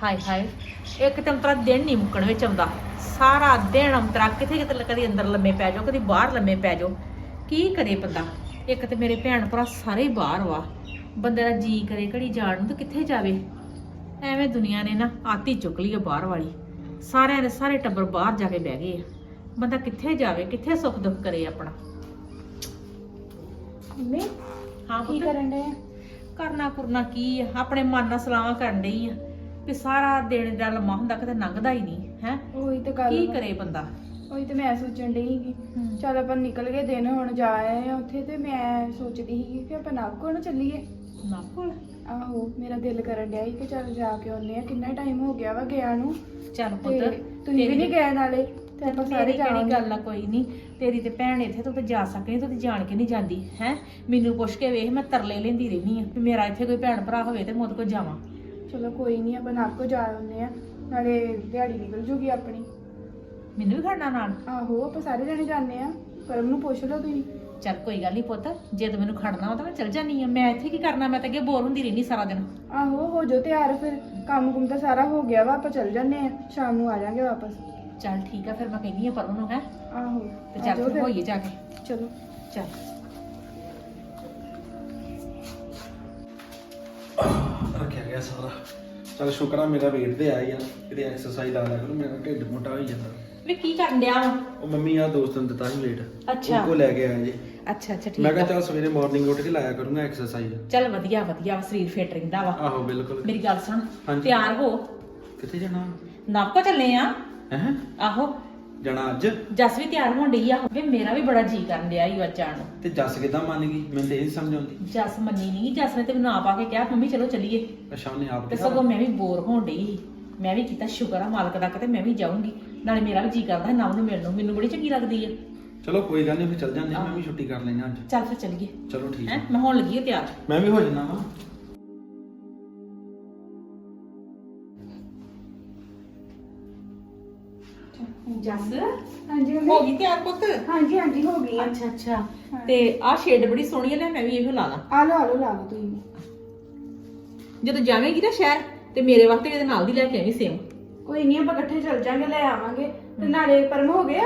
ਹਾਏ ਹਾਏ ਇੱਕ ਤਾਂ ਅੰਤਰਾ ਦਿਨ ਨਹੀਂ ਮੁੱਕਣ ਵਿੱਚ ਆਉਂਦਾ। ਸਾਰਾ ਦਿਨ ਅੰਤਰਾ ਕਿਤੇ ਕਿਤੇ ਕਦੀ ਅੰਦਰ ਲੰਮੇ ਪੈ ਜਾਓ, ਕਦੀ ਬਾਹਰ ਲੰਮੇ ਪੈ ਜਾਓ। ਕੀ ਕਰੇ ਬੰਦਾ? ਇੱਕ ਤੇ ਮੇਰੇ ਭੈਣ ਭਰਾ ਸਾਰੇ ਬਾਹਰ ਵਾ, ਬੰਦੇ ਦਾ ਜੀ ਕਰੇ ਘੜੀ ਜਾਣ ਨੂੰ ਤਾਂ ਕਿੱਥੇ ਜਾਵੇ। ਐਵੇਂ ਦੁਨੀਆ ਨੇ ਨਾ ਆਤੀ ਚੁੱਕ ਲਈ ਆ ਬਾਹਰ ਵਾਲੀ। ਸਾਰਿਆਂ ਦੇ ਸਾਰੇ ਟੱਬਰ ਬਾਹਰ ਜਾ ਕੇ ਬਹਿ ਗਏ ਆ। ਬੰਦਾ ਕਿੱਥੇ ਜਾਵੇ, ਕਿੱਥੇ ਸੁੱਖ ਦੁੱਖ ਕਰੇ ਆਪਣਾ। ਮੰਮੀ ਹਾਂ ਕੀ ਪੁੱਤ, ਕਰਨ ਦੇ? ਕਰਨਾ ਕੁਰਨਾ ਕੀ ਆ, ਆਪਣੇ ਮਨ ਨਾਲ ਸਲਾਹਾਂ ਕਰਨ ਡਈ ਆ ਵੀ ਸਾਰਾ ਦਿਨ ਦਾ ਲੰਮਾ ਹੁੰਦਾ ਕਿਤੇ ਲੰਘਦਾ ਹੀ ਨਹੀਂ ਹੈ। ਉਹੀ ਤਾਂ ਗੱਲ ਕੀ ਵਾ। ਕਰੇ ਬੰਦਾ। ਉਹੀ ਤੇ ਮੈਂ ਸੋਚਣ ਡਈ ਸੀਗੀ ਚੱਲ ਆਪਾਂ ਨਿਕਲ ਗਏ ਦਿਨ ਹੁਣ ਜਾ ਆਏ ਆ ਉੱਥੇ ਤੇ ਮੈਂ ਸੋਚਦੀ ਸੀ ਕਿ ਆਪਾਂ ਨਾਗੋ ਨਾ ਚੱਲੀਏ। ਨਾ ਕੋਲ ਆਹੋ ਮੇਰਾ ਦਿਲ ਕਰਨ ਡਿਆ ਸੀ ਕਿ ਚੱਲ ਜਾ ਕੇ ਆਉਂਦੇ ਆ, ਕਿੰਨਾ ਟਾਈਮ ਹੋ ਗਿਆ ਵਾ ਗਿਆ ਨੂੰ। ਚੱਲ ਤੇ ਪੁੱਤ ਤੁਸੀਂ ਵੀ ਨਹੀਂ ਗਏ ਨਾਲੇ ਤੇ ਆਪਾਂ ਸਾਰੇ ਕਿਹੜੀ ਜਾਵਾਂਗੇ। ਗੱਲ ਆ, ਕੋਈ ਨਹੀਂ। ਤੇਰੀ ਤੇ ਭੈਣ ਇੱਥੇ ਤੂੰ ਤੇ ਜਾ ਸਕਦੀ, ਤੂੰ ਤੇ ਜਾਣ ਕੇ ਨਹੀਂ ਜਾਂਦੀ ਹੈ। ਮੈਨੂੰ ਪੁੱਛ ਕੇ ਵੇਖ, ਮੈਂ ਤਰਲੇ ਲੈਂਦੀ ਰਹਿਨੀ ਆ ਵੀ ਮੇਰਾ ਇੱਥੇ ਕੋਈ ਭੈਣ ਭਰਾ ਹੋਵੇ ਤੇ ਮੁੱਦ ਕੋ ਜਾਵਾਂ। ਚਲੋ ਕੋਈ ਨਹੀਂ ਆਪਾਂ ਨਾਗੋ ਜਾ ਆਉਂਦੇ ਆ, ਨਾਲੇ ਦਿਹਾੜੀ ਨਿਕਲ ਜੂਗੀ ਆਪਣੀ। ਮੈਨੂੰ ਵੀ ਖੜਨਾ ਨਾਲ? ਆਹੋ ਆਪਾਂ ਸਾਰੇ ਜਣੇ ਜਾਂਦੇ ਆ, ਪਰਮ ਨੂੰ ਪੁੱਛ ਲਓ ਤੁਸੀਂ। ਚੱਲ ਕੋਈ ਗੱਲ ਨਹੀਂ ਪੁੱਤ, ਜੇ ਤੂੰ ਮੈਨੂੰ ਖੜਨਾ ਹੋ ਤਾਂ ਮੈਂ ਚੱਲ ਜਾਨੀ ਆ। ਮੈਂ ਇੱਥੇ ਕੀ ਕਰਨਾ, ਮੈਂ ਤਾਂ ਅੱਗੇ ਬੋਰ ਹੁੰਦੀ ਰਹਿਨੀ ਸਾਰਾ ਦਿਨ। ਆਹੋ ਹੋ ਜਾਓ ਤਿਆਰ, ਫਿਰ ਕੰਮ ਕੁਮ ਤਾਂ ਸਾਰਾ ਹੋ ਗਿਆ ਵਾ, ਆਪਾਂ ਚੱਲ ਜੰਨੇ ਆ, ਸ਼ਾਮ ਨੂੰ ਆ ਜਾਾਂਗੇ ਵਾਪਸ। ਚੱਲ ਠੀਕ ਆ, ਫਿਰ ਮੈਂ ਕਹਿੰਦੀ ਆ ਪਰਮ ਨੂੰ ਹੈ ਆਹੋ ਤੇ ਆ ਚੱਲ ਜਾਓ ਫਿਰ ਫਿਰ। ਹੋਈਏ ਜਾ ਕੇ। ਚਲੋ ਚੱਲ ਰੱਖਿਆ ਗਿਆ ਸਾਰਾ। ਚਲ ਸ਼ੁਕਰ ਆ ਮੇਰਾ ਵੇਟ ਤੇ ਆਇਆ ਯਾਰ, ਕਿਤੇ ਐਕਸਰਸਾਈਜ਼ ਲਾ ਲਿਆ ਕਰੋ, ਮੇਰਾ ਢਿੱਡ ਮੋਟਾ ਹੋਈ ਜਾਂਦਾ। ਵੀ ਕੀ ਕਰਨ ਡਿਆ ਵਾ? ਉਹ ਮੰਮੀ ਆ ਦੋਸਤ ਨੇ ਦਿੱਤਾ ਸੀ ਵੇਟ, ਅੱਛਾ। ਉਹ ਕੋ ਲੈ ਕੇ ਆਇਆ ਜੀ। ਅੱਛਾ ਅੱਛਾ ਠੀਕ ਮੈਂ ਕਿਹਾ ਆ। ਚੱਲ ਸਵੇਰੇ ਮਾਰਨਿੰਗ ਉੱਠ ਕੇ ਲਾਇਆ ਕਰੂੰਗਾ ਐਕਸਰਸਾਈਜ਼। ਚੱਲ ਵਧੀਆ ਵਧੀਆ ਵਾ, ਸਰੀਰ ਫਿੱਟ ਰਹਿੰਦਾ ਵਾ। ਆਹੋ ਬਿਲਕੁਲ। ਮੇਰੀ ਗੱਲ ਸੁਣ, ਹਾਂਜੀ। ਤਿਆਰ ਹੋ, ਕਿੱਥੇ ਜਾਣਾ? ਨਾਪਾ ਚੱਲੇ ਆ। ਹੈ ਆਹੋ ਜਾਣਾ ਅੱਜ? ਜਸ ਵੀ ਤਿਆਰ ਹੋਣ ਡਈ ਆ। ਵੇ ਮੇਰਾ ਵੀ ਬੜਾ ਜੀ ਕਰਨ ਡਿਆ ਈ ਅੱਜ ਜਾਣ ਨੂੰ। ਤੇ ਜੱਸ ਕਿਦਾਂ ਮੰਨ ਗਈ? ਮੈਨੂੰ ਤੇ ਇਹ ਨੀ ਸਮਝ ਆਉਂਦੀ। ਜਸ ਮੰਨੀ ਨਹੀਂ, ਜਸ ਨੇ ਤੇ ਮੈਨੂੰ ਆਪ ਆ ਕੇ ਕਿਹਾ ਮੰਮੀ ਚਲੋ ਚੱਲੀਏ। ਅੱਛਾ ਉਹਨੇ ਆਪ ਤੇ ਕਿਹਾ? ਸਗੋਂ ਮੈਂ ਵੀ ਬੋਰ ਹੋਣ ਡਈ ਸੀ। ਮੈਂ ਵੀ ਕੀਤਾ ਸ਼ੁਕਰ ਆ ਮਾਲਕ ਦਾ, ਕਿਤੇ ਮੈਂ ਵੀ ਜਾਊਂਗੀ। ਨਾਲੇ ਮੇਰਾ ਵੀ ਜੀ ਕਰਦਾ ਨਵ ਨੂੰ ਮਿਲਣ ਨੂੰ, ਮੈਨੂੰ ਬੜੀ ਚੰਗੀ ਲੱਗਦੀ ਆ। ਚਲੋ ਕੋਈ ਗੱਲ ਨਹੀਂ, ਫਿਰ ਚੱਲ ਜਾਂਦੇ ਹਾਂ, ਮੈਂ ਵੀ ਛੁੱਟੀ ਕਰ ਲੈਣਾ ਅੱਜ। ਚੱਲ ਫਿਰ ਚੱਲੀਏ। ਚਲੋ ਠੀਕ ਹੈ ਹੈ, ਮੈਂ ਹੋਣ ਲੱਗੀ ਆ ਤਿਆਰ। ਮੈਂ ਵੀ ਹੋ ਜਾਣਾ ਵਾ। ਜਸ ਹਾਂਜੀ ਹੋ ਗਈ ਤਿਆਰ ਪੁੱਤ? ਹਾਂਜੀ ਹਾਂਜੀ ਹੋ ਗਈ ਆ। ਅੱਛਾ ਅੱਛਾ। ਤੇ ਆਹ ਸ਼ੇਡ ਬੜੀ ਸੋਹਣੀ ਆ, ਲੈ ਮੈਂ ਵੀ ਇਹੋ ਲਾ ਲਾਂ। ਆ ਲਓ ਲਾ ਲਓ ਤੁਸੀਂ। ਜਦੋਂ ਜਾਵੇਂਗੀ ਨਾ ਸ਼ਹਿਰ ਤੇ ਮੇਰੇ ਵਾਸਤੇ ਇਹਦੇ ਨਾਲ ਦੀ ਲੈ ਕੇ ਆਵੀਂ ਸੇਮ। ਕੋਈ ਨਹੀਂ ਆਪਾਂ ਇਕੱਠੇ ਚੱਲ ਜਾਾਂਗੇ, ਲੈ ਆਵਾਂਗੇ। ਤੇ ਨਾਲੇ ਪਰਮ ਹੋ ਗਿਆ।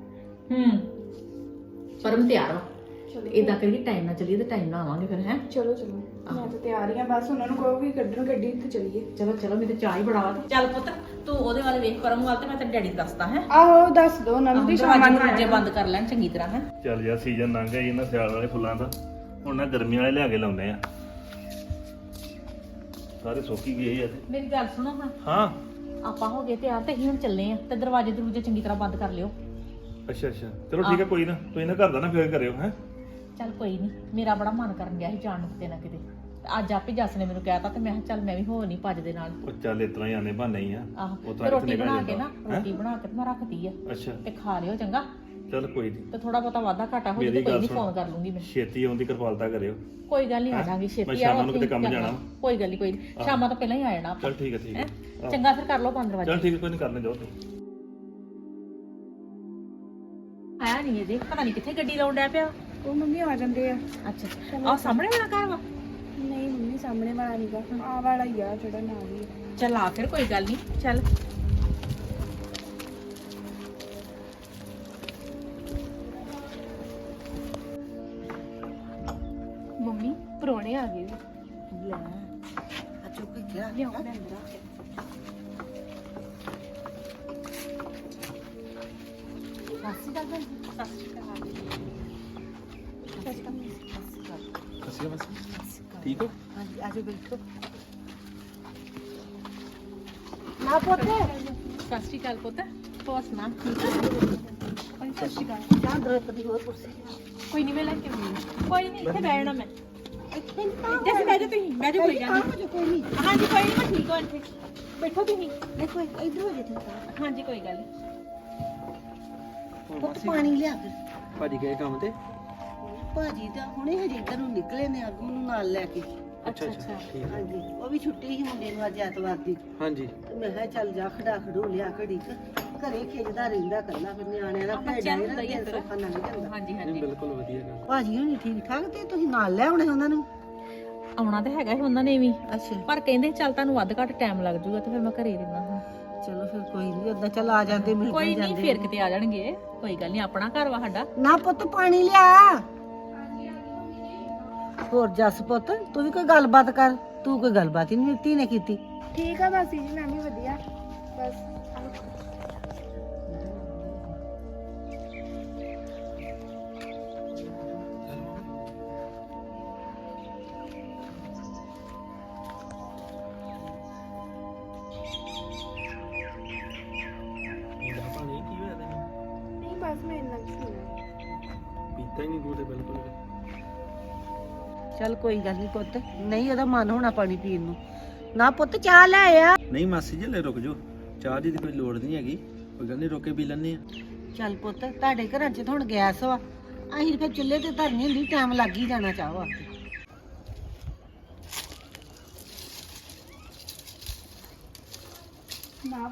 ਪਰਮ ਤਿਆਰ ਵਾ। ਚਲੋ ਇਦਾਂ ਕਰੀਏ ਟਾਈਮ ਨਾਲ ਚੱਲੀਏ ਤੇ ਟਾਈਮ ਨਾਲ ਆਵਾਂਗੇ ਫਿਰ ਹੈ। ਚਲੋ ਚਲੋ ਮੈਂ ਤਾਂ ਤਿਆਰ ਹੀ ਆ, ਬਸ ਉਹਨਾਂ ਨੂੰ ਕਹੋ ਕਿ ਕੱਢਣ ਗੱਡੀ ਤੇ ਚੱਲੀਏ। ਚਲੋ ਚਲੋ, ਮੇਰੇ ਤੇ ਚਾਹ ਹੀ ਬੜਾ ਵਾ। ਚੱਲ ਪੁੱਤ ਤੂੰ ਉਹਦੇ ਵੱਲ ਵੇਖ, ਪਰਮ ਵੱਲ, ਤੇ ਮੈਂ ਤੇਰੇ ਡੈਡੀ ਨੂੰ ਦੱਸਦਾ ਹੈ। ਆਹੋ ਦੱਸ ਦੋ ਉਹਨਾਂ ਨੂੰ ਵੀ ਸ਼ਾਮਾਂ ਨੂੰ ਦਰਵਾਜ਼ੇ ਬੰਦ ਕਰ ਲੈਣ ਚੰਗੀ ਤਰ੍ਹਾਂ ਹੈ। ਚੱਲ ਯਾਰ ਸੀਜ਼ਨ ਲੰਘ ਗਿਆ ਇਹਨਾਂ ਸਿਆਲ ਵਾਲੇ ਫੁੱਲਾਂ ਦਾ, ਹੁਣ ਨਾ ਗਰਮੀ ਵਾਲੇ ਲਿਆ ਕੇ ਲਾਉਂਦੇ ਆ। ਸਾਰੇ ਸੁੱਕ ਹੀ ਗਏ ਆ ਤੇ। ਮੇਰੀ ਗੱਲ ਸੁਣੋ ਹੁਣ, ਹਾਂ ਆਪਾਂ ਹੋ ਗਏ ਤਿਆਰ ਤੇ ਅਸੀਂ ਹੁਣ ਚੱਲੇ ਆ, ਤੇ ਦਰਵਾਜ਼ੇ ਦਰੂਜੇ ਚੰਗੀ ਤਰ੍ਹਾਂ ਬੰਦ ਕਰ ਲਿਓ। ਅੱਛਾ ਅੱਛਾ ਚਲੋ ਠੀਕ ਹੈ, ਕੋਈ ਨਾ ਤੁਸੀਂ ਨਾ ਘਰ ਦਾ ਨਾ ਫੇਰ ਕਰਿਓ ਹੈ। ਚੱਲ ਕੋਈ ਨਹੀਂ, ਮੇਰਾ ਬੜਾ ਮਨ ਕਰਨ ਗਿਆ ਸੀ ਜਾਣ ਨੂੰ ਕਿਤੇ ਨਾ ਕਿਤੇ। ਤੇ ਅੱਜ ਆਪੇ ਜੱਸ ਨੇ ਮੈਨੂੰ ਕਹਿਤਾ ਤੇ ਮੈਂ ਕਿਹਾ ਚੱਲ ਮੈਂ ਵੀ ਹੋ ਨਹੀਂ ਭੱਜ ਦੇ ਨਾਲ। ਉਹ ਚੱਲ ਇਸ ਤਰ੍ਹਾਂ ਹੀ ਆਨੇ ਬਹਾਨੇ ਹੀ ਆ। ਆਹੋ ਉਹ ਤੇ ਤਾਂ ਰੋਟੀ ਇੱਥੇ ਬਣਾ ਨਿਕਲ ਕੇ ਨਾ, ਜਾਂਦਾ। ਰੋਟੀ ਬਣਾ ਕੇ ਤੇ ਮੈਂ ਰੱਖਤੀ ਆ ਅੱਛਾ ਤੇ ਖਾ ਲਿਓ ਚੰਗਾ। ਚੱਲ ਕੋਈ ਨਹੀਂ, ਤੇ ਥੋੜਾ ਬਹੁਤਾ ਵਾਧਾ ਘਾਟਾ ਹੋ ਜੇ ਮੇਰੀ ਤੇ ਕੋਈ ਗੱਲ ਨਹੀਂ, ਸੁਣ। ਫੋਨ ਕਰ ਲੂੰਗੀ ਮੈਂ। ਛੇਤੀ ਆਉਣ ਦੀ ਕਿਰਪਾਲਤਾ ਕਰਿਓ। ਕੋਈ ਗੱਲ ਨਹੀਂ, ਆ ਹੈਂ? ਜਾਾਂਗੀ ਮੈਂ ਛੇਤੀ। ਸ਼ਾਮਾਂ ਨੂੰ ਉੱਥੇ ਕਿਤੇ ਕੰਮ ਕਰਨਾ। ਜਾਣਾ। ਕੋਈ ਗੱਲ ਨਹੀਂ, ਕੋਈ ਨਹੀਂ, ਸ਼ਾਮਾਂ ਤੋਂ ਪਹਿਲਾਂ ਹੀ ਆ ਜਾਣਾ ਆਪਾਂ। ਚੱਲ ਠੀਕ ਹੈ ਠੀਕ ਹੈ। ਆਹੋ। ਚੰਗਾ ਫਿਰ ਕਰ ਲਓ 15 ਵਜੇ। ਚੱਲ ਠੀਕ ਹੈ, ਕੋਈ ਨਹੀਂ, ਕਰਨੇ ਜਾਓ ਤੁਸੀਂ। ਆਇਆ ਨਹੀਂ ਇਹਦੇ, ਪਤਾ ਨਹੀਂ ਕਿੱਥੇ ਗੱਡੀ ਲਾਉਣ ਡਿਆ ਪਿਆ। ਉਹ ਮੰਮੀ ਆ ਜਾਂਦੇ ਆ। ਅੱਛਾ ਆਹ ਸਾਹਮਣੇ ਵਾਲਾ ਘਰ ਵਾ? ਨਹੀਂ ਮੰਮੀ ਸਾਹਮਣੇ ਵਾਲਾ ਨਹੀਂਗਾ, ਆ ਵਾਲਾ ਹੀ ਆ ਜਿਹੜਾ ਨਾਲ ਹੀ ਆ। ਚੱਲ ਆ ਫਿਰ, ਕੋਈ ਗੱਲ ਨਹੀਂ, ਚੱਲ। ਮੰਮੀ ਪਰੋਣੇ ਆ ਗਏ। ਲੈ ਆ ਚੁੱਕ ਕੇ ਲਿਆਓ ਮੈਂ ਅੰਦਰ ਆ ਕੇ। ਸਾਸੀ ਦਾ ਗੱਲ, ਸਾਸੀ ਦਾ ਹਾਲ। ਅਸੀਂ ਬਸ ਠੀਕ ਹੋ? ਹਾਂਜੀ ਆਜੋ ਬੈਠੋ। ਨਾ ਪੁੱਤ ਸਤਿ ਸ਼੍ਰੀ ਅਕਾਲ ਪੁੱਤ, ਹੋਰ ਸੁਣਾ? ਸਤਿ ਸ਼੍ਰੀ ਅਕਾਲ। ਚਾਹ ਦਰਪਤੀ ਹੋਰ ਕੁਰਸੀ। ਕੋਈ ਨਹੀਂ, ਮੈਂ ਲੈ ਕੇ ਆਉਂਦੀ। ਕੋਈ ਨਹੀਂ, ਇੱਥੇ ਬੈਠਣਾ ਮੈਂ। ਇੱਥੇ ਬਹਿ ਜਾ ਤੁਸੀਂ, ਬਹਿ ਜਾ, ਕੋਈ ਗੱਲ ਨਹੀਂ। ਕੋਈ ਨਹੀਂ। ਹਾਂਜੀ ਕੋਈ ਨਹੀਂ, ਮੈਂ ਠੀਕ ਹਾਂ ਇੱਥੇ। ਬੈਠੋ ਤੁਸੀਂ। ਦੇਖੋ ਇਧਰ ਹੋ ਜੇ ਹਾਂਜੀ ਕੋਈ ਗੱਲ ਨਹੀਂ। ਪਾਣੀ ਲਿਆ ਫਿਰ। ਭਾਜੀ ਗਏ ਕੰਮ ਤੇ? ਭਾਜੀ ਤਾਂ ਹੁਣੇ ਹਜੇ ਇੱਧਰ ਨੂੰ ਨਿਕਲੇ ਨੇ, ਅੱਗੋਂ ਨੂੰ ਨਾਲ ਲੈ ਕੇ। ਅੱਛਾ ਅੱਛਾ ਠੀਕ ਹੈ। ਹਾਂਜੀ ਉਹ ਵੀ ਛੁੱਟੀ ਸੀ ਮੁੰਡੇ ਨੂੰ ਅੱਜ ਐਤਵਾਰ ਦੀ, ਹਾਂਜੀ ਤੇ ਮੈਂ ਕਿਹਾ ਚੱਲ ਜਾ ਖੜਾ ਖੜੂ ਲਿਆ ਘੜੀ ਕੁ। ਘਰੇ ਖਿੱਚਦਾ ਰਹਿੰਦਾ ਕੱਲਾ, ਫਿਰ ਨਿਆਣਿਆਂ ਦਾ ਬੱਚਿਆਂ ਨੂੰ ਭੇਡਾਂ ਹੁੰਦਾ ਹੀ ਦਾ ਆ ਦਿਨ ਫਿਰ। ਸੌਖਾ ਲੰਘ ਜਾਂਦਾ। ਹਾਂਜੀ ਨਹੀਂ ਹਾਂਜੀ। ਬਿਲਕੁਲ ਵਧੀਆ ਗੱਲ। ਭਾਜੀ ਹੁਣੀ ਠੀਕ ਠਾਕ, ਤੇ ਤੁਸੀਂ ਨਾਲ ਲੈ ਆਉਣੇ ਉਹਨਾਂ ਨੂੰ। ਆਉਣਾ ਤਾਂ ਹੈਗਾ ਸੀ ਉਹਨਾਂ ਨੇ ਵੀ, ਅੱਛਾ ਪਰ ਕਹਿੰਦੇ ਚੱਲ ਤੁਹਾਨੂੰ ਵੱਧ ਘੱਟ ਟਾਈਮ ਲੱਗ ਜਾਊਗਾ ਤੇ ਫਿਰ ਮੈਂ ਘਰੇ ਰਹਿਣਾ ਹੁਣ। ਚਲੋ ਫਿਰ ਕੋਈ ਨਹੀਂ, ਓਦਾਂ ਚੱਲ ਆ ਜਾਂਦੇ ਮਿਲ ਕੋਈ ਕੇ ਨਹੀਂ, ਜਾਂਦੇ। ਫਿਰ ਕਿਤੇ ਆ ਜਾਣਗੇ, ਕੋਈ ਗੱਲ ਨਹੀਂ, ਆਪਣਾ ਘਰ ਵਾ ਸਾਡਾ। ਨਾ ਪੁੱਤ ਪਾਣੀ ਲਿਆ। ਹੋਰ ਜੱਸ ਪੁੱਤ ਤੂੰ ਵੀ ਕੋਈ ਗੱਲਬਾਤ ਕਰ, ਤੂੰ ਕੋਈ ਗੱਲਬਾਤ ਹੀ ਨਹੀਂ ਧੀ ਨੇ ਕੀਤੀ। ਠੀਕ ਆ ਮਾਸੀ ਜੀ, ਮੈਂ ਵੀ ਵਧੀਆ। ਬਸ ਪੀਲਾ ਪਾਣੀ ਕੀ ਹੋਇਆ ਤੈਨੂੰ? ਨਹੀਂ, ਬਸ ਮੈਂ ਇੰਨਾ ਕੁ ਸੁਣਿਆ। ਪੀਤਾ ਹੀ ਨਹੀਂ ਤੂੰ ਤੇ ਬਿਲਕੁਲ ਵੀ। ਚੱਲ ਕੋਈ ਗੱਲ ਨਹੀਂ ਪੁੱਤ, ਨਹੀਂ ਉਹਦਾ ਮਨ ਹੋਣਾ ਪਾਣੀ ਪੀਣ ਨੂੰ। ਨਾ ਪੁੱਤ ਚਾਹ ਲੈ ਆ। ਨਹੀਂ ਮਾਸੀ ਜੀ ਲੈ ਰੁਕ ਜਾਓ, ਚਾਹ ਦੀ ਤਾਂ ਕੋਈ ਲੋੜ ਨਹੀਂ ਹੈਗੀ, ਕੋਈ ਗੱਲ ਨਹੀਂ, ਰੁਕ ਕੇ ਪੀ ਲੈਂਦੇ ਆ। ਚੱਲ ਪੁੱਤ ਤੁਹਾਡੇ ਘਰਾਂ 'ਚ ਤਾਂ ਹੁਣ ਗੈਸ ਵਾ, ਅਸੀਂ ਫਿਰ ਚੁੱਲ੍ਹੇ ਤੇ ਧਰਨੀ ਹੁੰਦੀ, ਟਾਈਮ ਲੱਗ ਹੀ ਜਾਣਾ ਚਾਹ ਵਾਸਤੇ। ਨਾ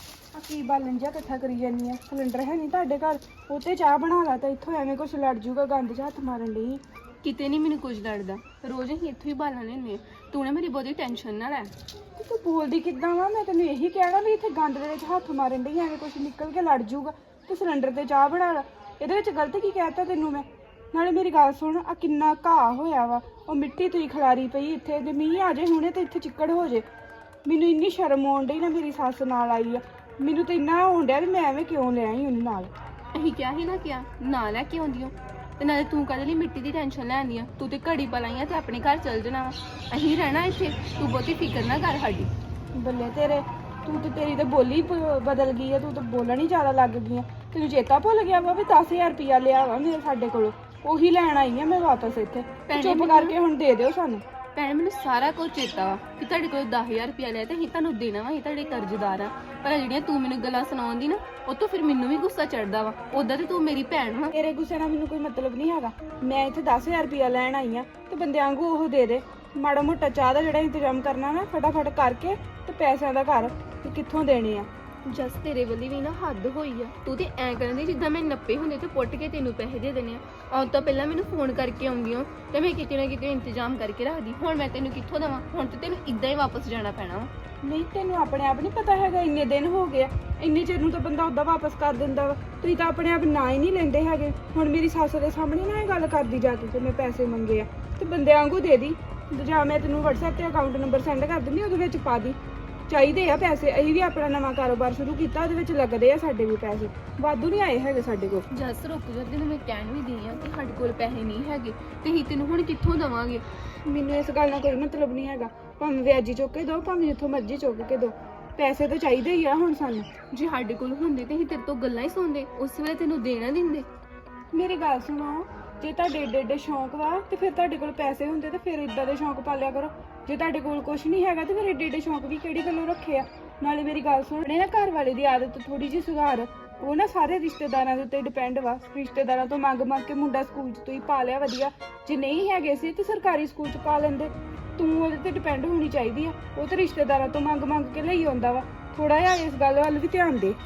ਆ ਕੀ ਬਾਲਣ ਜਿਹਾ ਇਕੱਠਾ ਕਰੀ ਜਾਨੀ ਆ, ਸਿਲੰਡਰ ਹੈ ਨਹੀਂ ਤੁਹਾਡੇ ਘਰ, ਉਹ ਤੇ ਚਾਹ ਬਣਾ ਲਾ ਤਾਂ ਇੱਥੋਂ ਐਵੇਂ ਕੁਛ ਲੜ ਜੂਗਾ, ਗੰਦ 'ਚ ਹੱਥ ਮਾਰਨ ਲਈ। ਕਿਤੇ ਨਹੀਂ ਮੈਨੂੰ ਕੁਝ ਲੜਦਾ, ਰੋਜ਼ ਹੀ ਇੱਥੋਂ ਹੀ ਬਾਲਣ ਲੈਂਦੇ ਆ। ਤੂੰ ਨਾ ਮੇਰੀ ਬਹੁਤੀ ਟੈਨਸ਼ਨ ਨਾ ਲੈ। ਤੇ ਤੂੰ ਬੋਲਦੀ ਕਿੱਦਾਂ ਵਾ? ਮੈਂ ਤੈਨੂੰ ਇਹੀ ਕਹਿਣਾ ਵੀ ਇੱਥੇ ਗੰਦ ਦੇ ਵਿੱਚ ਹੱਥ ਮਾਰਨ ਲਈ ਐਵੇਂ ਕੁਛ ਨਿਕਲ ਕੇ ਲੜ ਜੂਗਾ, ਤੂੰ ਸਿਲੰਡਰ ਤੇ ਚਾਹ ਬਣਾ ਲਾ। ਇਹਦੇ ਵਿੱਚ ਗਲਤ ਕੀ ਕਹਿਤਾ ਤੈਨੂੰ ਮੈਂ? ਨਾਲੇ ਮੇਰੀ ਗੱਲ ਸੁਣ, ਆ ਕਿੰਨਾ ਘਾਹ ਹੋਇਆ ਵਾ, ਉਹ ਮਿੱਟੀ ਤੁਸੀਂ ਖਲਾਰੀ ਪਈ ਇੱਥੇ, ਜੇ ਮੀਂਹ ਆ ਜੇ ਹੁਣੇ ਤੇ ਇੱਥੇ ਚਿੱਕੜ ਹੋ ਜੇ। ਮੈਨੂੰ ਇੰਨੀ ਸ਼ਰਮ ਆਉਣ ਡਈ ਨਾ, ਮੇਰੀ ਸੱਸ ਨਾਲ ਆਈ ਆ, ਮੈਨੂੰ ਤਾਂ ਇੰਨਾ ਹੋਣ ਡਿਆ ਵੀ ਮੈਂ ਐਵੇਂ ਕਿਉਂ ਲੈ ਆਈ ਉਹਨੂੰ ਨਾਲ। ਅਸੀਂ ਕਿਹਾ ਹੀ ਨਾ ਕਿਹਾ ਨਾ ਲੈ ਕੇ ਆਉਂਦੀ ਹੋ, ਤੇ ਨਾਲੇ ਤੂੰ ਕਾਹਦੇ ਲਈ ਮਿੱਟੀ ਦੀ ਟੈਨਸ਼ਨ ਲੈਂਦੀ ਆ? ਤੂੰ ਤੇ ਘੜੀ ਪਲਾਈਆਂ ਤੇ ਆਪਣੇ ਘਰ ਚਲ ਜਾਣਾ ਵਾ, ਅਸੀਂ ਰਹਿਣਾ ਇੱਥੇ। ਤੂੰ ਬਹੁਤੀ ਫਿਕਰ ਨਾ ਕਰ ਸਾਡੀ। ਬੱਲੇ ਤੇਰੇ, ਤੂੰ ਤੇ ਤੇਰੀ ਤੇ ਬੋਲੀ ਬਦਲ ਗਈ ਆ, ਤੂੰ ਤਾਂ ਬੋਲਣ ਹੀ ਜ਼ਿਆਦਾ ਲੱਗ ਗਈ ਆ। ਤੈਨੂੰ ਚੇਤਾ ਭੁੱਲ ਗਿਆ ਵਾ ਵੀ 10,000 ਰੁਪਇਆ ਲਿਆ ਵਾ ਮੇਰੇ ਸਾਡੇ ਕੋਲੋਂ, ਉਹੀ ਲੈਣ ਆਈ ਆ ਮੈਂ ਵਾਪਸ ਇੱਥੇ। ਭੈਣੇ ਚੁੱਪ ਮੈਨੂੰ- ਕਰਕੇ ਹੁਣ ਦੇ ਦਿਓ ਸਾਨੂੰ। ਭੈਣ ਮੈਨੂੰ ਸਾਰਾ ਕੁਝ ਚੇਤਾ ਵਾ ਕਿ ਤੁਹਾਡੇ ਕੋਲ 10,000 ਰੁਪਇਆ ਲਿਆ ਤੇ ਅਸੀਂ ਤੁਹਾਨੂੰ ਦੇਣਾ ਵਾ, ਅਸੀਂ ਤੁਹਾਡੇ ਕਰਜ਼ਦਾਰ ਆ। ਪਰ ਆਹ ਜਿਹੜੀਆਂ ਤੂੰ ਮੈਨੂੰ ਗੱਲਾਂ ਸੁਣਾਉਂਦੀ ਨਾ, ਉਹ ਤੋਂ ਫਿਰ ਮੈਨੂੰ ਵੀ ਗੁੱਸਾ ਚੜਦਾ ਵਾ। ਉਦਾਂ ਤੇ ਤੂੰ ਮੇਰੀ ਭੈਣ ਵਾ। ਤੇਰੇ ਗੁੱਸੇ ਨਾਲ ਮੈਨੂੰ ਕੋਈ ਮਤਲਬ ਨਹੀਂ ਹੈਗਾ, ਮੈਂ ਇੱਥੇ 10,000 ਰੁਪਇਆ ਲੈਣ ਆਈ ਆ ਤੇ ਬੰਦਿਆਂ ਵਾਂਗੂ ਉਹ ਦੇ ਦੇ। ਮਾੜਾ ਮੋਟਾ ਚਾਹ ਦਾ ਜਿਹੜਾ ਇੰਤਜ਼ਾਮ ਕਰਨਾ ਨਾ ਫਟਾਫਟ ਕਰਕੇ ਤੇ ਪੈਸਿਆਂ ਦਾ ਘਰ ਤੇ ਕਿੱਥੋਂ ਦੇਣੇ ਆ। ਜਸ ਤੇਰੇ ਵੱਲੀ ਵੀ ਨਾ ਹੱਦ ਹੋਈ ਆ। ਤੂੰ ਤੇ ਐਂ ਕਰਨ ਦੀ ਜਿੱਦਾਂ ਮੈਂ ਨੱਪੇ ਹੁੰਦੇ ਤੇ ਪੁੱਟ ਕੇ ਤੈਨੂੰ ਪੈਸੇ ਦੇ ਦੇਣੇ ਆ। ਆਉਣ ਤੋਂ ਪਹਿਲਾਂ ਮੈਨੂੰ ਫੋਨ ਕਰਕੇ ਆਉਂਦੀ ਹੋ ਤੇ ਮੈਂ ਕਿਤੇ ਨਾ ਕਿਤੇ ਇੰਤਜ਼ਾਮ ਕਰਕੇ ਰੱਖਦੀ। ਹੁਣ ਮੈਂ ਤੈਨੂੰ ਕਿੱਥੋਂ ਦੇਵਾਂ? ਹੁਣ ਤੇ ਤੈਨੂੰ ਇਦਾਂ ਹੀ ਵਾਪਸ ਜਾਣਾ ਪੈਣਾ ਵਾ। ਨਹੀਂ, ਤੈਨੂੰ ਆਪਣੇ ਆਪ ਨਹੀਂ ਪਤਾ ਹੈਗਾ, ਇੰਨੇ ਦਿਨ ਹੋ ਗਏ ਆ, ਇੰਨੇ ਚਿਰ ਨੂੰ ਤਾਂ ਬੰਦਾ ਉੱਦਾਂ ਵਾਪਸ ਕਰ ਦਿੰਦਾ ਵਾ। ਤੁਸੀਂ ਤਾਂ ਆਪਣੇ ਆਪ ਨਾ ਹੀ ਨਹੀਂ ਲੈਂਦੇ ਹੈਗੇ। ਹੁਣ ਮੇਰੀ ਸੱਸ ਦੇ ਸਾਹਮਣੇ ਨਾ ਇਹ ਗੱਲ ਕਰਦੀ ਜਾ ਕੇ ਕਿ ਮੈਂ ਪੈਸੇ ਮੰਗੇ ਆ, ਤੇ ਬੰਦਿਆਂ ਵਾਂਗੂ ਦੇ ਦੀ। ਜਾਂ ਮੈਂ ਤੈਨੂੰ WhatsApp ਤੇ ਅਕਾਊਂਟ ਨੰਬਰ ਸੈਂਡ ਕਰ ਦਿੰਦੀ, ਉਹਦੇ ਵਿੱਚ ਪਾ ਦੀ। ਚਾਹੀਦੇ ਆ ਪੈਸੇ, ਅਸੀਂ ਵੀ ਆਪਣਾ ਨਵਾਂ ਕਾਰੋਬਾਰ ਸ਼ੁਰੂ ਕੀਤਾ, ਉਹਦੇ ਵਿੱਚ ਲੱਗਦੇ ਆ ਸਾਡੇ ਵੀ ਪੈਸੇ, ਵਾਧੂ ਨਹੀਂ ਆਏ ਹੈਗੇ ਸਾਡੇ ਕੋਲ। ਜਸ ਰੁਕ ਜਾ, ਤੈਨੂੰ ਮੈਂ ਕਹਿਣ ਵੀ ਦਈ ਆ ਕਿ ਸਾਡੇ ਕੋਲ ਪੈਸੇ ਨਹੀਂ ਹੈਗੇ ਤੇ ਅਸੀਂ ਤੈਨੂੰ ਹੁਣ ਕਿੱਥੋਂ ਦੇਵਾਂਗੇ? ਮੈਨੂੰ ਇਸ ਗੱਲ ਨਾਲ ਕੋਈ ਮਤਲਬ ਨਹੀਂ ਹੈਗਾ, ਭਾਵੇਂ ਵਿਆਜੀ ਚੁੱਕ ਕੇ ਦਿਓ, ਭਾਵੇਂ ਜਿੱਥੋਂ ਮਰਜ਼ੀ ਚੁੱਕ ਕੇ ਦਿਓ, ਪੈਸੇ ਤਾਂ ਚਾਹੀਦੇ ਹੀ ਆ ਹੁਣ ਸਾਨੂੰ। ਜੇ ਸਾਡੇ ਕੋਲ ਹੁੰਦੇ ਤੇ ਅਸੀਂ ਤੇਰੇ ਤੋਂ ਗੱਲਾਂ ਹੀ ਸੁਣਦੇ, ਉਸ ਵੇਲੇ ਤੈਨੂੰ ਦੇਣਾ ਦਿੰਦੇ। ਮੇਰੀ ਗੱਲ ਸੁਣੋ, ਜੇ ਤੁਹਾਡੇ ਏਡੇ ਏਡੇ ਸ਼ੌਂਕ ਵਾ ਤੇ ਫਿਰ ਤੁਹਾਡੇ ਕੋਲ ਪੈਸੇ ਹੁੰਦੇ ਤੇ ਫਿਰ ਇਦਾਂ ਦੇ ਸ਼ੌਂਕ ਪਾਲਿਆ ਕਰੋ। ਜੇ ਤੁਹਾਡੇ ਕੋਲ ਕੁਝ ਨਹੀਂ ਹੈਗਾ ਤੇ ਫਿਰ ਏਡੇ ਏਡੇ ਸ਼ੌਂਕ ਵੀ ਕਿਹੜੀ ਗੱਲੋਂ ਰੱਖੇ ਆ? ਨਾਲੇ ਮੇਰੀ ਗੱਲ ਸੁਣ, ਨਾ ਘਰ ਵਾਲੇ ਦੀ ਆਦਤ ਥੋੜੀ ਜਿਹੀ ਸੁਧਾਰ। ਉਹ ਨਾ ਸਾਰੇ ਰਿਸ਼ਤੇਦਾਰਾਂ ਦੇ ਉੱਤੇ ਡਿਪੈਂਡ ਵਾ, ਰਿਸ਼ਤੇਦਾਰਾਂ ਤੋਂ ਮੰਗ ਕੇ ਮੁੰਡਾ ਸਕੂਲ 'ਚ ਤੁਸੀਂ ਪਾ ਲਿਆ ਵਧੀਆ, ਜੇ ਨਹੀਂ ਹੈਗੇ ਸੀ ਤੇ ਸਰਕਾਰੀ ਸਕੂਲ 'ਚ ਪਾ ਲੈਂਦੇ। ਤੂੰ ਉਹਦੇ ਤੇ ਡਿਪੈਂਡ ਹੋਣੀ ਚਾਹੀਦੀ ਆ, ਉਹ ਤੇ ਰਿਸ਼ਤੇਦਾਰਾਂ ਤੋਂ ਮੰਗ ਕੇ ਲਈ ਆਉਂਦਾ ਵਾ। ਥੋੜਾ ਜਿਹਾ ਇਸ ਗੱਲ ਵੱਲ ਵੀ ਧਿਆਨ ਦੇ।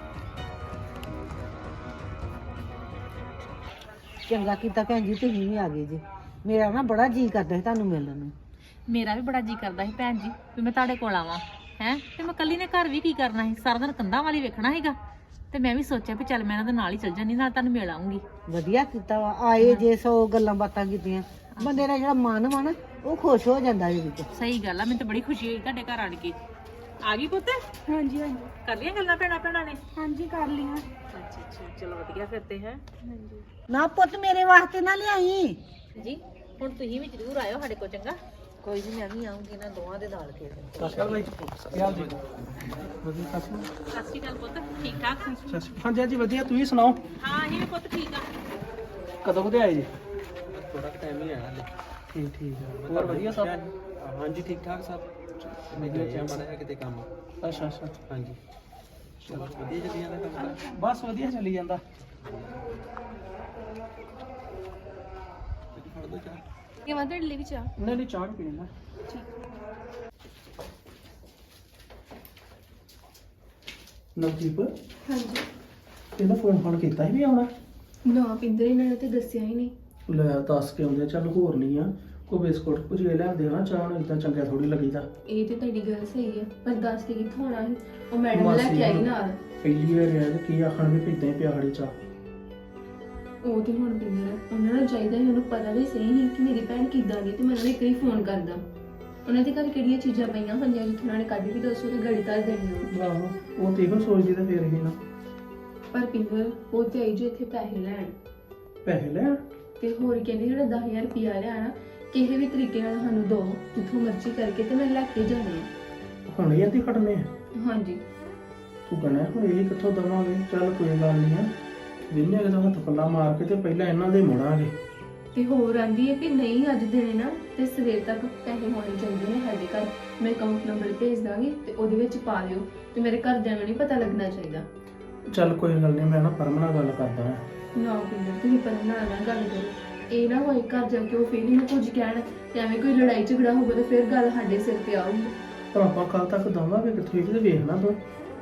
ਚੰਗਾ ਕੀਤਾ ਭੈਣ ਜੀ, ਤੁਸੀਂ ਵੀ ਆ ਗਏ ਜੀ। ਮੇਰਾ ਨਾ ਬੜਾ ਜੀਅ ਕਰਦਾ ਸੀ ਤੁਹਾਨੂੰ ਮਿਲਣ ਨੂੰ। ਮੇਰਾ ਵੀ ਬੜਾ ਜੀ ਕਰਦਾ ਸੀ ਭੈਣ ਜੀ ਵੀ ਮੈਂ ਤੁਹਾਡੇ ਕੋਲ ਆਵਾਂ ਹੈ, ਤੇ ਮੈਂ ਕੱਲੀ ਨੇ ਘਰ ਵੀ ਕੀ ਕਰਨਾ ਸੀ, ਸਾਰਾ ਦਿਨ ਕੰਧਾਂ ਵਾਲੀ ਵੇਖਣਾ ਸੀਗਾ। ਤੇ ਮੈਂ ਵੀ ਸੋਚਿਆ ਵੀ ਚੱਲ ਮੈਂ ਇਹਨਾਂ ਦੇ ਨਾਲ ਹੀ ਚੱਲ ਜਾਂਦੀ, ਨਾਲ ਤੁਹਾਨੂੰ ਮਿਲ ਆਉਂਗੀ। ਵਧੀਆ ਕੀਤਾ ਵਾ, ਆਏ ਜੇ 100 ਗੱਲਾਂ ਬਾਤਾਂ ਕੀਤੀਆਂ, ਬੰਦੇ ਦਾ ਜਿਹੜਾ ਮਨ ਵਾ ਨਾ ਉਹ ਖੁਸ਼ ਹੋ ਜਾਂਦਾ ਇਹਦੇ ਵਿੱਚ। ਸਹੀ ਗੱਲ ਆ, ਮੈਨੂੰ ਤਾਂ ਬੜੀ ਖੁਸ਼ੀ ਹੋਈ ਤੁਹਾਡੇ ਘਰ ਆਣ ਕੇ। ਆ ਗਈ ਪੁੱਤ? ਹਾਂਜੀ ਹਾਂਜੀ ਕਰ ਲਿਆ ਗੱਲਾਂ ਭੈਣਾਂ ਨੇ? ਹਾਂਜੀ ਕਰ ਲਈਆਂ। ਅੱਛਾ, ਚਲੋ ਵਧੀਆ ਫਿਰ ਤੇ ਹੈ। ਹਾਂਜੀ ਨਾ ਪੁੱਤ ਮੇਰੇ ਵਾਸਤੇ ਨਾ ਲਿਆਈ। ਜੀ ਹੁਣ ਤੁਸੀਂ ਵੀ ਜ਼ਰੂਰ ਆਇਓ ਸਾਡੇ ਕੋਲ, ਚੰਗਾ? ਕੋਈ ਨਹੀਂ, ਮੈਂ ਵੀ ਆਉਂਗੀ ਨਾ ਦੋਵਾਂ ਦੇ ਨਾਲ ਕੇ। ਸਸਕਾ ਬਾਈ ਕੀ ਹਾਲ ਜੀ? ਵਧੀਆ ਸਸਕਾ। ਸਤਿ ਸ਼੍ਰੀ ਅਕਾਲ ਪੁੱਤ, ਠੀਕ ਠਾਕ? ਹਾਂਜੀ ਹਾਂਜੀ ਵਧੀਆ, ਤੁਸੀਂ ਸੁਣਾਓ? ਹਾਂ ਅਸੀਂ ਵੀ ਪੁੱਤ ਠੀਕ ਆ। ਕਦੋਂ ਕਦੇ ਆਏ ਜੀ? ਥੋੜਾ ਟਾਈਮ ਹੀ ਆਇਆ ਹਲੇ। ਠੀਕ ਠੀਕ ਹੈ, ਹੋਰ ਵਧੀਆ ਸਭ? ਹਾਂਜੀ ਠੀਕ ਠਾਕ ਸਭ। ਮੈਂ ਗਿਆ ਮਾੜਾ ਕਿਤੇ ਕੰਮ। ਅੱਛਾ ਅੱਛਾ, ਹਾਂਜੀ ਚਲੋ ਵਧੀਆ ਚੱਲੀ ਜਾਂਦਾ ਕੰਮ? ਬਸ ਵਧੀਆ ਚੱਲੀ ਜਾਂਦਾ। ਫੜ ਦੋ ਚਾਹ। ਕਿ ਮੈਂ ਤੁਹਾਡੇ ਲਈ ਵੀ ਚਾਹ? ਨਹੀਂ ਨਹੀਂ ਚਾਹ ਪੀਣੀ ਨਾ। ਨਵਦੀਪ, ਹਾਂਜੀ। ਇਹਦਾ ਫੋਨ ਕੀਤਾ ਸੀ ਵੀ ਆਉਣਾ? ਨਾ ਪਿੰਦਰ ਇਹਨਾਂ ਨੇ ਤੇ ਦੱਸਿਆ ਹੀ ਨਹੀਂ। ਲੈ ਦੱਸ ਕੇ ਆਉਂਦੇ, ਚੱਲ ਹੋਰ ਨਹੀਂ ਆ, ਕੋ ਬਿਸਕੁਟ ਕੁਝ ਲੈ ਲਿਆ ਦੇਣਾ ਚਾਹ ਨੂੰ ਇਦਾਂ ਚੰਗਾ ਥੋੜੀ ਲੱਗੀਦਾ। ਇਹ ਤੇ ਤੁਹਾਡੀ ਗੱਲ ਸਹੀ ਹੈ, ਪਰ ਦੱਸ ਕੇ ਕਿੱਥੋਂ ਆਉਣਾ ਸੀ? ਉਹ ਮੈਡਮ ਲੈ ਮਾਸੀ ਕੇ ਆਈ ਨੂੰ ਨਾਲ। ਪਹਿਲੀ ਵਾਰ ਆਇਆ ਤੇ ਕੀ ਆਖਣ ਵੀ ਇਦਾਂ ਹੀ ਪਿਆ ਖੜੀ ਚਾਹ। ਉਹ ਤੇ ਹੁਣ ਪਿੰਦਰ ਉਹਨਾਂ ਨੂੰ ਚਾਹੀਦਾ ਸੀ, ਉਹਨੂੰ ਪਤਾ ਵੀ ਸਹੀ ਸੀ ਕਿ ਮੇਰੀ ਭੈਣ ਕਿੱਦਾਂ ਦੀ, ਤੇ ਮੈਂ ਉਹਨਾਂ ਨੂੰ ਇੱਕ ਵਾਰੀ ਫੋਨ ਕਰਦਾ। ਉਹਨਾਂ ਦੇ ਘਰ ਕਿਹੜੀਆਂ ਚੀਜ਼ਾਂ ਪਈਆਂ ਹੋਈਆਂ ਜਿੱਥੋਂ ਉਹਨਾਂ ਨੇ ਕੱਢ ਕੇ ਦੱਸੋ ਤੇ ਗੜੀ ਧਰ ਦੇਣੀ। ਆਹੋ ਉਹ ਤੇ ਇਹੋ ਸੋਚਦੀ ਤਾਂ ਫੇਰ ਹੀ ਨਾ। ਪਰ ਪਿੰਦਰ ਉਹ ਤੇ ਆਈ ਜੇ ਇੱਥੇ ਪੈਸੇ ਲੈਣ, ਪੈਸੇ ਲੈਣ ਤੇ ਹੋਰ ਕਹਿੰਦੀ ਜਿਹੜਾ 10,000 ਰੁਪਇਆ ਲਿਆਣਾ ਕਿਸੇ ਵੀ ਤਰੀਕੇ ਨਾਲ ਸਾਨੂੰ ਦੋ, ਜਿੱਥੋਂ ਮਰਜ਼ੀ ਕਰਕੇ ਤੇ ਮੈਂ ਲੈ ਕੇ ਜਾਣੇ ਆ। ਹੁਣ ਇਹ ਤੇ ਖੜਨੇ ਆ। ਹਾਂਜੀ ਤੂੰ ਕਹਿਣਾ ਹੁਣ ਇਹ ਕਿੱਥੋਂ ਦਵਾਂਗੇ? ਚੱਲ ਕੋਈ ਗੱਲ ਨਹੀਂ ਆ, ਵਿੰਨੇ ਅਗਰ ਹੱਥ ਪੱਲਾ ਮਾਰ ਕੇ ਤੇ ਪਹਿਲਾਂ ਇਹਨਾਂ ਦੇ ਮੁੜਾਂਗੇ। ਤੇ ਹੋਰ ਆਂਦੀ ਹੈ ਕਿ ਨਹੀਂ ਅੱਜ ਦੇਣੇ ਨਾ ਤੇ ਸਵੇਰ ਤੱਕ ਪੈਸੇ ਹੋਣੇ ਚਾਹੀਦੇ ਨੇ ਸਾਡੇ ਘਰ। ਮੈਂ ਅਕਾਊਂਟ ਨੰਬਰ ਭੇਜ ਦਾਂਗੀ ਤੇ ਉਹਦੇ ਵਿੱਚ ਪਾ ਲਿਓ, ਤੇ ਮੇਰੇ ਘਰਦਿਆਂ ਨੂੰ ਨਹੀਂ ਪਤਾ ਲੱਗਣਾ ਚਾਹੀਦਾ। ਚੱਲ ਕੋਈ ਗੱਲ ਨਹੀਂ, ਮੈਂ ਨਾ ਪਰਮ ਨਾਲ ਗੱਲ ਕਰਦਾ ਹਾਂ। ਨਾ ਪਿੰਦਰ ਤੁਸੀਂ ਪਤਾ ਨਾਲ ਗੱਲ ਕਰੋ, ਇਹ ਨਾ ਹੋਏ ਘਰ ਜਾ ਕੇ ਉਹ ਫਿਰ ਇਹਨੂੰ ਕੁਝ ਕਹਿਣ ਤੇ ਐਵੇਂ ਕੋਈ ਲੜਾਈ ਝਗੜਾ ਹੋਊਗਾ ਤੇ ਫਿਰ ਗੱਲ ਸਾਡੇ ਸਿਰ ਤੇ ਆਊਗੀ। ਪਰ ਆਪਾਂ ਕੱਲ ਤੱਕ ਦਵਾਂਗੇ ਕਿੱਥੋਂ? ਇਹ ਤੇ ਵੇਖਣਾ ਤੂੰ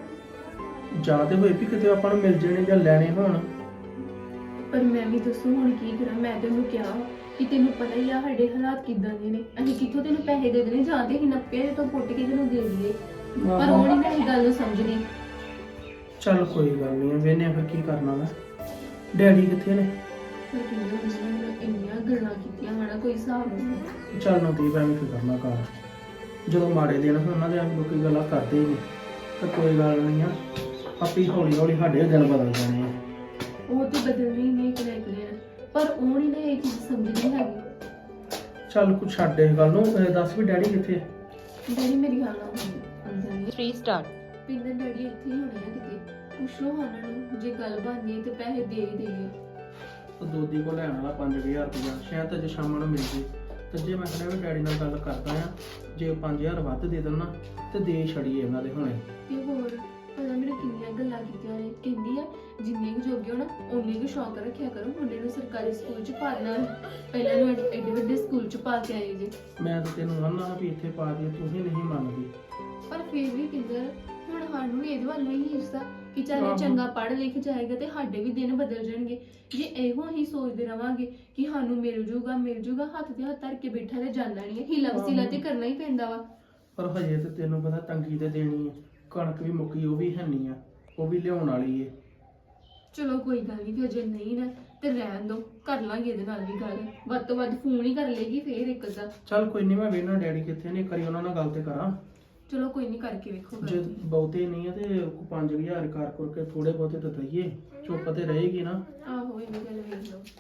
ਜ਼ਿਆਦਾ ਹੋਏ ਵੀ ਕਿਤੇ ਆਪਾਂ ਨੂੰ ਮਿਲ ਜਾਣੇ ਜਾਂ ਲੈਣੇ ਹੋਣ। ਪਰ ਮੈਂ ਵੀ ਦੱਸੋ ਹੁਣ ਕੀ ਕਰਾਂ? ਮੈਂ ਤੈਨੂੰ ਕਿਹਾ ਕਿ ਤੈਨੂੰ ਪਤਾ ਹੀ ਆ ਸਾਡੇ ਹਾਲਾਤ ਕਿੱਦਾਂ ਦੇ ਨੇ, ਅਸੀਂ ਕਿੱਥੋਂ ਤੈਨੂੰ ਪੈਸੇ ਦੇ ਦੇਣੇ, ਜਾਂ ਤੇ ਅਸੀਂ ਨੱਪੇ ਤੋਂ ਪੁੱਟ ਕੇ ਤੈਨੂੰ ਦੇ ਦਈਏ। ਪਰ ਉਹ ਨਹੀਂ ਮੇਰੀ ਗੱਲ ਨੂੰ ਸਮਝਦੀ। ਚੱਲ ਕੋਈ ਗੱਲ ਨਹੀਂ, ਵੇਨੇ ਫਿਰ ਕੀ ਕਰਨਾ ਵਾ। ਡੈਡੀ ਕਿੱਥੇ ਨੇ? ਪਰ ਕਿੰਨੇ ਉਹਨਾਂ ਨੇ ਇੰਨੀਆਂ ਗੱਲਾਂ ਕੀਤੀਆਂ ਹਨਾ, ਕੋਈ ਹਿਸਾਬ ਨਹੀਂ। ਚੱਲ ਨਵਦੀਪ ਐਵੇਂ ਕੀ ਕਰਨਾ ਘਰ, ਜਦੋਂ ਮਾੜੇ ਦਿਨ ਹੋਣ ਉਹਨਾਂ ਦੇ ਲੋਕੀ ਗੱਲਾਂ ਕਰਦੇ ਹੀ ਨੇ। ਤਾਂ ਕੋਈ ਗੱਲ ਨਹੀਂ ਆ, ਆਪੀ ਹੌਲੀ ਹੌਲੀ ਸਾਡੇ ਦਿਨ ਬਦਲ ਜਾਣੇ ਆ। ਉਹ ਤੇ ਬਦਲਣੇ ਹੀ ਨੇ ਇੱਕ ਨਾ ਇੱਕ ਦਿਨ, ਪਰ ਉਹ ਨਹੀਂ ਨਾ ਇਹ ਚੀਜ਼ ਸਮਝਦੀ ਹੈਗੀ। ਚੱਲ ਕੁਛ ਛੱਡ ਇਸ ਗੱਲ ਨੂੰ, ਦੱਸ ਵੀ ਡੈਡੀ ਕਿੱਥੇ ਆ? ਡੈਡੀ ਮੇਰੀ ਗੱਲ ਨਾ ਅੰਦਰ ਨਹੀਂ। 3 ਸਟਾਰ ਪਿੰਦਰ ਡੈਡੀ ਇੱਥੇ ਹੀ ਹੋਣੇ ਆ ਕਿਤੇ, ਪੁੱਛ ਲਓ ਉਹਨਾਂ ਨੂੰ, ਜੇ ਗੱਲ ਬਣਦੀ ਤੇ ਪੈਸੇ ਦੇ ਹੀ ਦੇਈਏ। ਉਹ ਦੋਦੀ ਕੋਲ ਲੈਣ ਵਾਲਾ 5000 ਰੁਪਇਆ ਸ਼ਾਇਦ ਅੱਜ ਸ਼ਾਮ ਨੂੰ ਮਿਲ ਜੇ। ਤੇ ਜੇ ਮੈਂ ਕਹਿੰਦਾ ਵੀ ਡੈਡੀ ਨਾਲ ਗੱਲ ਕਰਦਾ ਆ, ਜੇ 5000 ਵੱਧ ਦੇ ਦੇਣਾ ਤੇ ਦੇ ਛੜੀਏ ਇਹਨਾਂ ਦੇ ਹੁਣੇ। ਤੇ ਹੋਰ ਪਤਾ ਮੈਨੂੰ ਕਿੰਨੀਆਂ ਗੱਲਾਂ ਕੀਤੀਆਂ ਨੇ, ਕਹਿੰਦੀ ਆ ਜਿੰਨੇ ਕੁ ਜੋਗੇ ਹੋ ਨਾ ਉਨੇ ਕੁ ਸ਼ੌਕ ਰੱਖਿਆ ਕਰੋ, ਮੁੰਡੇ ਨੂੰ ਸਰਕਾਰੀ ਸਕੂਲ ਚ ਪਾ ਦੇਣਾ, ਪਹਿਲਾਂ ਨੂੰ ਐਡੇ ਵੱਡੇ ਸਕੂਲ ਚ ਪਾ ਕੇ ਆਏ ਜੇ। ਮੈਂ ਤਾਂ ਤੈਨੂੰ ਆਨਾ ਵੀ ਇੱਥੇ ਪਾ ਦੇ, ਤੂੰ ਹੀ ਨਹੀਂ ਮੰਨਦੀ। ਪਰ ਫਿਰ ਵੀ ਪਿੰਦਰ ਹੁਣ ਸਾਨੂੰ ਵੀ ਇਹਦੇ ਵੱਲ ਨਹੀਂ ਹਿੱਸਾ ਕਿ ਚੱਲ ਇਹ ਚੰਗਾ ਪੜ੍ਹ ਲਿਖ ਜਾਏਗਾ ਤੇ ਸਾਡੇ ਵੀ ਦਿਨ ਬਦਲ ਜਾਣਗੇ। ਜੇ ਇਹੋ ਹੀ ਸੋਚਦੇ ਰਵਾਂਗੇ ਕਿ ਸਾਨੂੰ ਮਿਲ ਜੂਗਾ, ਹੱਥ ਤੇ ਹੱਥ ਧਰ ਕੇ ਬੈਠਾ ਤੇ ਜਾਂਦਾ ਨਹੀਂ ਹੈ, ਹੀਲਾ ਵਸੀਲਾ ਤੇ ਕਰਨਾ ਹੀ ਪੈਂਦਾ ਵਾ। ਪਰ ਹਜੇ ਤੇ ਤੈਨੂੰ ਪਤਾ ਤੰਗੀ ਤੇ ਦੇਣੀ ਹੈ, ਕਣਕ ਵੀ ਮੁੱਕੀ, ਉਹ ਵੀ ਹੈਨੀ ਆ, ਉਹ ਵੀ ਲਿਆਉਣ ਵਾਲੀ ਏ। ਚਲੋ ਕੋਈ ਗੱਲ ਨਹੀਂ, ਜੇ ਨਹੀਂ ਨਾ ਤੇ ਰਹਿਣ ਦੋ, ਕਰ ਲਾਂਗੇ ਇਹਦੇ ਨਾਲ ਵੀ ਗੱਲ, ਵੱਧ ਤੋਂ ਵੱਧ ਫੋਨ ਹੀ ਕਰ ਲੇਗੀ ਫੇਰ ਇੱਕ ਅੱਧਾ। ਚੱਲ ਕੋਈ ਨਹੀਂ, ਮੈਂ ਵੇਖਣਾ ਡੈਡੀ ਕਿੱਥੇ ਨੇ, ਕਰੀ ਉਹਨਾਂ ਨਾਲ ਗੱਲ ਤੇ ਕਰਾਂ। ਚਲੋ ਕੋਈ ਨਹੀਂ, ਕਰਕੇ ਵੇਖੋ ਗੱਲ। ਜੇ ਬਹੁਤੇ ਨਹੀਂ ਆ ਤੇ 5000 ਕਰ ਕਰਕੇ ਥੋੜੇ ਬਹੁਤੇ ਤਾਂ ਦਈਏ, ਚੁੱਪ ਤੇ ਰਹੇਗੀ ਨਾ। ਆਹੋ ਇਹ ਵੀ ਗੱਲ ਵੇਖ ਲਓ,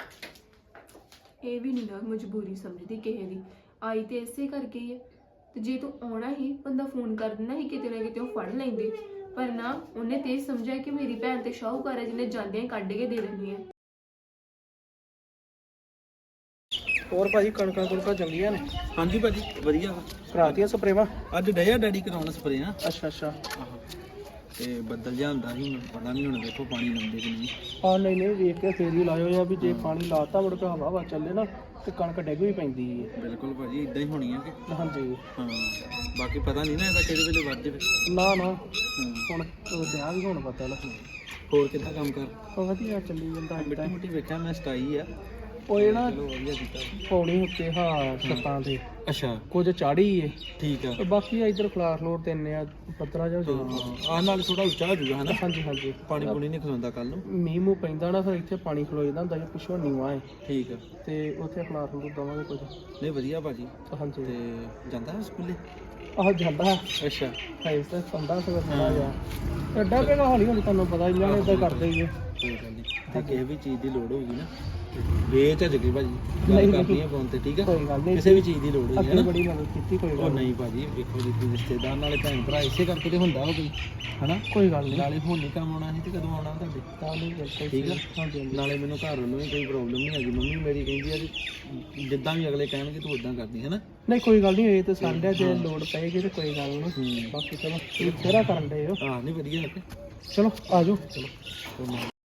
ਇਹ ਵੀ ਨਹੀਂ ਨਾ ਮਜਬੂਰੀ ਸਮਝਦੀ ਕਿਸੇ ਦੀ, ਆਈ ਤੇ ਇਸੇ ਕਰਕੇ ਹੀ ਹੈ। ਤੇ ਜੇ ਤੂੰ ਆਉਣਾ ਹੀ ਬੰਦਾ ਫੋਨ ਕਰ ਦਿੰਦਾ ਸੀ, ਕਿਤੇ ਨਾ ਕਿਤੇ ਉਹ ਫੜ ਲੈਂਦੇ, ਪਰ ਨਾ ਉਹਨੇ ਤੇ ਸਮਝਿਆ ਕਿ ਮੇਰੀ ਭੈਣ ਤੇ ਸ਼ਾਹੂਕਾਰ ਹੈ ਜਿਹਨੇ ਜਾਂਦਿਆਂ ਹੀ ਕੱਢ ਕੇ ਦੇ ਦੇਣੀ ਹੈ। ਹੋਰ ਭਾਜੀ ਕਣਕਾਂ ਕੁਣਕਾਂ ਚੰਗੀਆਂ ਨੇ? ਹਾਂਜੀ ਭਾਜੀ ਵਧੀਆ ਵਾ। ਕਰਾਤੀਆਂ ਸਪਰੇਵਾਂ? ਅੱਜ ਡਿਆ ਡੈਡੀ ਕਰਾਉਣ ਸਪਰੇ ਆ। ਅੱਛਾ ਤੇ ਬੱਦਲ ਜਿਹਾ ਹੁੰਦਾ ਸੀ, ਹੁਣ ਪਤਾ ਨਹੀਂ ਹੁਣ ਦੇਖੋ ਪਾਣੀ ਲਾਉਂਦੇ ਕਿ ਨਹੀਂ। ਹਾਂ ਨਹੀਂ ਵੇਖ ਕੇ ਫੇਰ ਹੀ ਲਾਇਓ ਆ ਵੀ ਜੇ ਪਾਣੀ ਲਾਤਾ ਮੁੜ ਕੇ ਹਵਾ ਵਾ ਚੱਲੇ ਨਾ ਤੇ ਕਣਕ ਡਿੱਗ ਵੀ ਪੈਂਦੀ ਹੈ। ਬਿਲਕੁਲ ਭਾਜੀ ਇਦਾਂ ਹੀ ਹੋਣੀ ਆ ਕਿ ਹਾਂਜੀ ਹਾਂ, ਬਾਕੀ ਪਤਾ ਨਹੀਂ ਨਾ ਇਹਦਾ ਕਿਹੜੇ ਵੇਲੇ ਵੱਧ ਜਾਵੇ। ਨਾ ਹਾਂ ਹੁਣ ਵਿਆਹ ਵੀ ਹੁਣ ਪਤਾ ਲੱਗ। ਹੋਰ ਕਿੱਦਾਂ ਕੰਮ ਕਰ? ਵਧੀਆ ਚੱਲੀ ਜਾਂਦਾ ਮਿੱਟੀ ਏਦਾਂ। ਮੁੱਟੀ ਵੇਖਿਆ ਮੈਂ ਸਟਾਈ ਆ, ਉਹ ਇਹ ਨਾ ਚਲੋ ਵਧੀਆ ਕੀਤਾ। ਪੌੜੀ ਉੱਤੇ ਹਾਂ ਛੱਤਾਂ ਤੇ ਅੱਛਾ ਕੁਝ ਚਾੜੀ ਏ, ਠੀਕ ਆ। ਤੇ ਬਾਕੀ ਇਧਰ ਫਲਾਰ ਫਲੋਰ ਤੇ ਇੰਨੇ ਆ ਪੱਤਰਾ ਜਿਹਾ ਹੋ ਜਾਊਗਾ। ਆਹ ਨਾਲ ਥੋੜਾ ਉੱਚਾ ਹੋ ਜਾਊਗਾ ਹਨਾ, ਹਾਂਜੀ ਪਾਣੀ ਪੂਣੀ ਨਹੀਂ ਖਲੋਂਦਾ ਕੱਲ ਨੂੰ। ਮੀਂਹ ਮੂੰਹ ਪੈਂਦਾ ਨਾ ਫਿਰ ਇੱਥੇ ਪਾਣੀ ਖਲੋ ਜਾਂਦਾ ਹੁੰਦਾ, ਜੇ ਪਿੱਛੋਂ ਨੀਵਾਂ ਹੈ ਠੀਕ ਆ, ਤੇ ਉੱਥੇ ਫਲਾਰ ਫਲੋਰ ਦਵਾਂਗੇ ਕੁਝ। ਨਹੀਂ ਵਧੀਆ ਭਾਜੀ। ਹਾਂਜੀ ਤੇ ਜਾਂਦਾ ਹੈ ਸਕੂਲੇ? ਆਹ ਜਾਂਦਾ ਅੱਛਾ ਹੈ ਇਸ ਤੇ ਸੰਦਾ ਸਗੋਂ ਥੋੜਾ ਜਿਹਾ ਐਡਾ ਪਹਿਲਾਂ ਹੌਲੀ ਹੌਲੀ ਤੁਹਾਨੂੰ ਪਤਾ ਇਹਨਾਂ ਨੇ ਇਦਾਂ ਕਰਦੇ ਹੀ ਹੈ। ਕੋਈ ਗੱਲ ਨਹੀਂ, ਤੇ ਕਿਸੇ ਵੀ ਚੀਜ਼ ਦੀ ਲੋੜ ਹੋਊਗੀ ਨਾ ਵੇਚ ਜਗੇ ਭਾਜੀ, ਗੱਲ ਨਹੀਂ, ਕਰਨੀ ਹੈ ਫੋਨ ਤੇ, ਠੀਕ ਆ? ਕੋਈ ਗੱਲ ਨਹੀਂ, ਕਿਸੇ ਵੀ ਚੀਜ਼ ਦੀ ਲੋੜ ਹੋਈ ਅੱਗੇ ਹੈ ਨਾ। ਬੜੀ ਮਦਦ ਕੀਤੀ, ਕੋਈ ਉਹ ਗੱਲ ਨਹੀਂ ਭਾਜੀ, ਵੇਖੋ ਜੀ ਤੁਸੀਂ ਰਿਸ਼ਤੇਦਾਰ ਨਾਲੇ ਭੈਣ ਭਰਾ ਇਸੇ ਕਰਕੇ ਤੇ ਹੁੰਦਾ ਉਹ ਕੋਈ ਹਨਾ। ਕੋਈ ਗੱਲ ਨਹੀਂ, ਨਾਲੇ ਹੁਣ ਨਹੀਂ ਕੰਮ ਆਉਣਾ ਸੀ ਤੇ ਕਦੋਂ ਆਉਣਾ ਤੁਹਾਡੇ, ਤਾਂ ਨਹੀਂ ਬਿਲਕੁਲ ਠੀਕ ਆ? ਹਾਂਜੀ ਨਾਲੇ ਮੈਨੂੰ ਘਰ ਵੱਲੋਂ ਵੀ ਕੋਈ ਪ੍ਰੋਬਲਮ ਨਹੀਂ ਹੈਗੀ, ਮੰਮੀ ਮੇਰੀ ਕਹਿੰਦੀ ਆ ਕਿ ਜਿੱਦਾਂ ਵੀ ਅਗਲੇ ਕਹਿਣਗੇ ਤੂੰ ਉਦਾਂ ਕਰਦੀ ਹੈ ਨਾ। ਨਹੀਂ ਕੋਈ ਗੱਲ ਨਹੀਂ, ਇਹ ਤਾਂ ਸਾਡੇ ਜੇ ਲੋੜ ਪਏਗੀ ਤੇ ਕੋਈ ਗੱਲ ਨਹੀਂ। ਹੂੰ ਬਾਕੀ ਚਲੋ ਇਹ ਫੇਰਾ ਕਰਨ ਦੇ ਹੋ। ਹਾਂ ਨਹੀਂ ਵਧੀਆ ਲੱਗੇ। ਚਲੋ ਆ ਜਾਓ। ਚਲੋ